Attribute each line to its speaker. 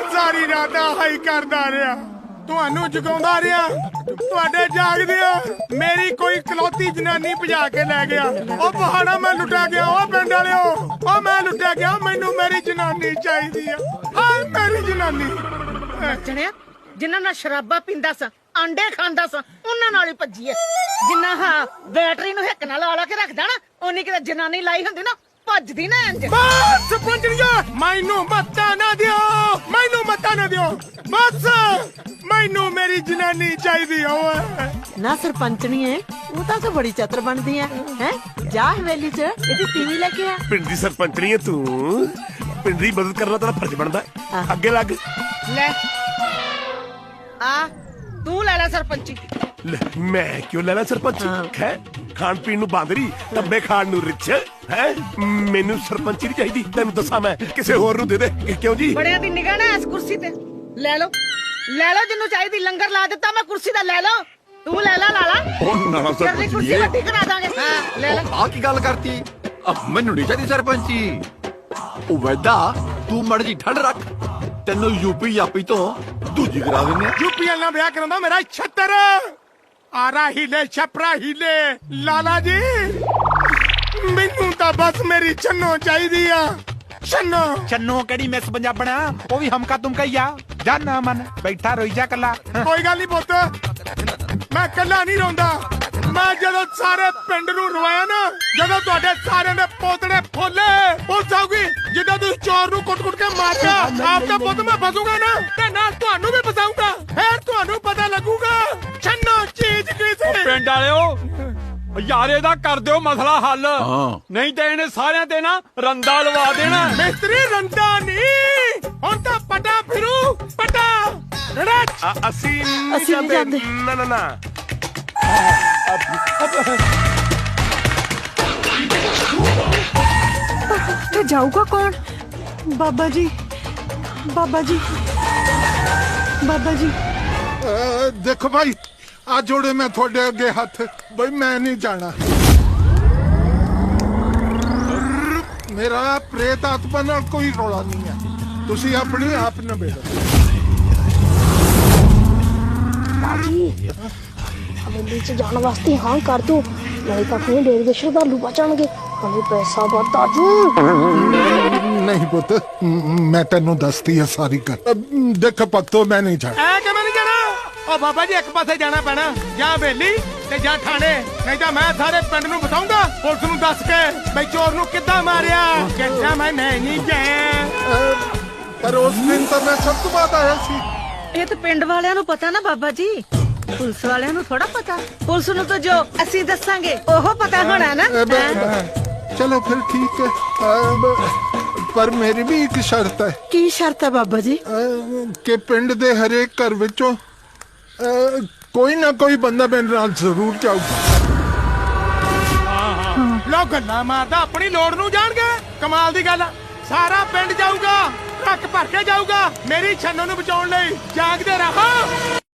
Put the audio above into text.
Speaker 1: ਸਾਰੀ ਰਾਤ ਹਾਈ ਕਰਦਾ ਰਿਹਾ, ਤੁਹਾਨੂੰ ਜਗਾਉਂਦਾ ਰਿਹਾ, ਤੁਹਾਡੇ ਜਾਗਦਿਆਂ ਮੇਰੀ ਕੋਈ ਇਕਲੌਤੀ ਜਨਾਨੀ ਭਜਾ ਕੇ ਲੈ ਗਿਆ। ਉਹ ਪਹਾੜਾ ਮੈਂ ਲੁੱਟਿਆ ਗਿਆ, ਉਹ ਪਿੰਡ ਵਾਲਿਓ, ਉਹ ਮੈਂ ਲੁੱਟਿਆ ਗਿਆ। ਮੈਨੂੰ ਮੇਰੀ ਜਨਾਨੀ ਚਾਹੀਦੀ ਆ, ਹਾਏ ਮੇਰੀ ਜਨਾਨੀ।
Speaker 2: ਨੱਚਣਿਆ ਜਿਨ੍ਹਾਂ ਨਾਲ ਸ਼ਰਾਬਾਂ ਪੀਂਦਾ ਸਾਂ, ਆਂਡੇ ਖਾਂਦਾ ਸਾਂ, ਉਹਨਾਂ ਨਾਲ ਹੀ ਭੱਜੀ ਐ। ਜਿੰਨਾ ਹਾਂ ਬੈਟਰੀ ਨੂੰ ਹਿੱਕ ਨਾਲ ਲਾ ਕੇ ਰੱਖਦਾ ਨਾ, ਉਹਨੀ ਕਿਤੇ ਜਨਾਨੀ ਲਾਈ ਹੁੰਦੀ ਨਾ, ਭੱਜਦੀ ਨਾ ਇੰਜ।
Speaker 1: ਬਸ ਸਰਪੰਚਣੀਆ, ਮੈਨੂੰ ਮੱਤਾ ਨਾ ਦਿਓ, ਮੈਨੂੰ ਮੱਤਾ ਨਾ ਦਿਓ, ਬਸ ਮੈਨੂੰ ਮੇਰੀ ਜਨਾਨੀ ਚਾਹੀਦੀ ਓਏ।
Speaker 3: ਨਾ ਸਰਪੰਚਣੀ ਹੈ, ਉਹ ਤਾਂ ਬੜੀ ਚਤਰ ਬਣਦੀ ਹੈ। ਹੈ ਜਾ ਹਵੇਲੀ ਚ ਇਹਦੀ ਟੀਵੀ ਲੈ ਕੇ ਆ।
Speaker 4: ਪਿੰਡ ਦੀ ਸਰਪੰਚਣੀ ਹੈ ਤੂੰ, ਪਿੰਡ ਦੀ ਮਦਦ ਕਰਨਾ ਤੇਰਾ ਫਰਜ਼ ਬਣਦਾ। ਅੱਗੇ ਲੱਗ
Speaker 2: ਲੈ ਆ ਤੂੰ ਲੈ ਲੈ ਸਰਪੰਚੀ।
Speaker 4: ਲੈ, ਮੈਂ ਕਿਉਂ ਲੈਣਾ ਸਰਪੰਚੀ? ਹੈ ਖਾਣ ਪੀਣ ਨੂੰ ਬਾਂਦਰੀ, ਟੱਬੇ ਖਾਣ ਨੂੰ ਰਿਚ ਹੈ। ਮੈਨੂੰ ਸਰਪੰਚੀ ਨਹੀਂ ਚਾਹੀਦੀ, ਤੈਨੂੰ ਦੱਸਾਂ ਮੈਂ ਕਿਸੇ ਹੋਰ ਨੂੰ ਦੇ ਦੇ। ਕਿਉਂ ਜੀ?
Speaker 2: ਬੜਿਆਂ ਦੀ ਨਿਗਾਹ ਨਾ ਇਸ ਕੁਰਸੀ ਤੇ ਲੈ ਲਓ, ਲੈ ਲਓ ਜਿੰਨੂੰ ਚਾਹੀਦੀ। ਲੰਗਰ ਲਾ ਦਿੱਤਾ ਮੈਂ ਕੁਰਸੀ ਦਾ, ਲੈ ਲਓ। ਤੂੰ ਲੈ ਲਾ ਲਾਲਾ,
Speaker 5: ਉਹ ਨਾ
Speaker 2: ਤੇਰੀ ਕੁਰਸੀ ਵੱਡੀ ਕਰਾ ਦਾਂਗੇ। ਹਾਂ ਲੈ ਲੈ।
Speaker 5: ਆ ਕੀ ਗੱਲ ਕਰਤੀ? ਮੈਨੂੰ ਨਹੀਂ ਚਾਹੀਦੀ ਸਰਪੰਚੀ। ਉਹ ਵੈਦਾ ਤੂੰ ਮੜ ਜੀ ਠੰਡ ਰੱਖ, ਤੈਨੂੰ ਯੂਪੀ ਯਾਪੀ ਤੋਂ ਦੂਜੀ ਕਰਾ ਦਿੰਦੇ ਆ।
Speaker 1: ਯੂਪੀ ਨਾਲ ਵਿਆਹ ਕਰਾਉਂਦਾ ਮੇਰਾ 76 ਆਰਾ ਹੀਲੇ ਛਪਰਾ ਹੀਲੇ। ਲਾਲਾ ਜੀ ਮੈਨੂੰ ਤਾਂ ਬਸ ਮੇਰੀ ਛੰਨੋ ਚਾਹੀਦੀ ਆ, ਛੰਨੋ।
Speaker 6: ਚੰਨੋ ਕਿਹੜੀ ਮਿਸ ਪੰਜਾਬਣਾ, ਉਹ ਵੀ ਹਮਕਾ ਤੁਮਕਾ ਹੀ ਆ। ਜਾ ਨਾ ਮਨ ਬੈਠਾ ਰੋਈ ਜਾ ਕੱਲਾ।
Speaker 1: ਕੋਈ ਗੱਲ ਨਹੀਂ ਪੁੱਤ, ਮੈਂ ਕੱਲਾ ਨਹੀਂ ਰੋਂਦਾ। ਮੈਂ ਜਦੋਂ ਸਾਰੇ ਪਿੰਡ ਨੂੰ ਰਵਾਇਆ ਨਾ, ਜਦੋਂ ਤੁਹਾਡੇ ਸਾਰਿਆਂ ਦੇ ਪੋਤੜੇ ਫੋਲੇ, ਉਹ ਸਾਊਗੀ ਜਿੱਦਾਂ ਤੁਸੀਂ ਚੋਰ ਨੂੰ ਕੁੱਟ-ਕੁੱਟ ਕੇ ਮਾਰਿਆ, ਆਪ ਦਾ ਪੁੱਤ ਮੈਂ ਫਸੂਗਾ ਨਾ, ਤੇ ਨਾਲ ਤੁਹਾਨੂੰ ਵੀ ਫਸਾਊਗਾ। ਫੇਰ ਤੁਹਾਨੂੰ ਪਤਾ ਲੱਗੂਗਾ ਛੰਨੋ ਚੀਜ਼ ਕੀ ਸੀ।
Speaker 7: ਪਿੰਡ ਵਾਲਿਓ ਯਾਰ ਇਹਦਾ ਕਰ ਦਿਓ ਮਸਲਾ ਹੱਲ, ਨਹੀਂ ਤੇ ਇਹਨੇ ਸਾਰਿਆਂ ਤੇ ਨਾ ਰੰਦਾ ਲਵਾ ਦੇਣਾ।
Speaker 1: ਮਿਸਤਰੀ ਰੰਦਾ ਨਹੀਂ, ਹੁਣ ਤਾਂ ਪਟਾ ਫਿਰੂ, ਪਟਾ ਰੜਚ।
Speaker 4: ਅਸੀਂ
Speaker 3: ਅਸੀਂ ਨਹੀਂ ਜਾਂਦੇ।
Speaker 4: ਨਾ ਨਾ ਨਾ।
Speaker 3: ਤੇ ਜਾਊਗਾ ਕੌਣ? ਬਾਬਾ ਜੀ, ਬਾਬਾ ਜੀ, ਬਾਬਾ ਜੀ।
Speaker 8: ਦੇਖੋ ਭਾਈ, ਆ ਜੋੜੇ ਮੈਂ ਤੁਹਾਡੇ ਅੱਗੇ ਹੱਥ, ਬਈ ਮੈਂ ਨਹੀਂ ਜਾਣਾ। ਮੇਰਾ ਪ੍ਰੇਤ ਆਤਮਾ ਨਾਲ ਕੋਈ ਰੌਲਾ ਨਹੀਂ ਹੈ, ਤੁਸੀਂ ਆਪਣੇ ਆਪ ਨਿਬੇੜੋ।
Speaker 9: ਬਾਜੀ ਹਵੇਲੀ ਚ ਜਾਣ ਵਾਸਤੇ ਹਾਂ ਕਰ ਦੋ, ਨਹੀਂ ਤਾਂ ਫਿਰ ਡੇਰੇ ਦੇ ਸ਼ਰਧਾਲੂ ਬਚਣਗੇ, ਹਲੇ ਪੈਸਾ ਵਾਧਾ ਜੂ।
Speaker 8: ਨਹੀਂ ਪੁੱਤ, ਮੈਂ ਤੈਨੂੰ ਦੱਸਦੀ ਹੈ ਸਾਰੀ ਗੱਲ। ਦੇਖ ਭਗਤੋ, ਮੈਂ ਨਹੀਂ ਜਾਣਾ।
Speaker 1: ਐ ਕਿਵੇਂ ਨਹੀਂ ਜਾਣਾ? ਉਹ ਬਾਬਾ ਜੀ ਇੱਕ ਪਾਸੇ ਜਾਣਾ ਪੈਣਾ, ਜਾਂ ਹਵੇਲੀ ਤੇ ਜਾਂ ਥਾਣੇ, ਨਹੀਂ ਤਾਂ ਮੈਂ ਸਾਰੇ ਪਿੰਡ ਨੂੰ ਬਤਾਉਂਗਾ ਪੁਲਿਸ ਨੂੰ ਦੱਸ ਕੇ ਬਈ ਚੋਰ ਨੂੰ ਕਿੱਦਾਂ ਮਾਰਿਆ। ਕਹਿੰਦਾ ਮੈਂ ਨਹੀਂ ਗਿਆ।
Speaker 8: ਪਰ ਉਸ ਦਿਨ ਤਾਂ ਮੈਂ ਸਭ ਤੋਂ ਬਾਅਦ ਆਇਆ ਸੀ।
Speaker 2: ਇਹ ਤਾਂ ਪਿੰਡ ਵਾਲਿਆਂ ਨੂੰ ਪਤਾ ਨਾ ਬਾਬਾ ਜੀ, ਪੁਲਿਸ ਵਾਲਿਆਂ ਨੂੰ ਥੋੜਾ ਪਤਾ। ਪੁਲਿਸ ਨੂੰ ਤਾਂ ਜੋ ਅਸੀਂ ਦੱਸਾਂਗੇ ਉਹ ਪਤਾ ਹੋਣਾ ਨਾ।
Speaker 8: ਚਲੋ ਫਿਰ ਠੀਕ ਹੈ, ਪਰ ਮੇਰੀ ਵੀ ਇੱਕ ਸ਼ਰਤ ਹੈ।
Speaker 3: ਕੀ ਸ਼ਰਤ ਹੈ ਬਾਬਾ ਜੀ?
Speaker 8: ਕਿ ਪਿੰਡ ਦੇ ਹਰੇਕ ਘਰ ਵਿੱਚੋਂ ਕੋਈ ਨਾ ਕੋਈ ਬੰਦਾ ਮੇਰੇ ਨਾਲ ਜ਼ਰੂਰ ਜਾਊਗਾ।
Speaker 1: ਲੋ ਗੱਲਾਂ ਮਾਰਦਾ, ਆਪਣੀ ਲੋੜ ਨੂੰ ਜਾਣਗੇ। ਕਮਾਲ ਦੀ ਗੱਲ ਆ, ਸਾਰਾ ਪਿੰਡ ਜਾਊਗਾ, ਟਰੱਕ ਭਰ ਕੇ ਜਾਊਗਾ ਮੇਰੀ ਛੰਨੋ ਨੂੰ ਬਚਾਉਣ ਲਈ। ਜਾਗਦੇ ਰਹੋ।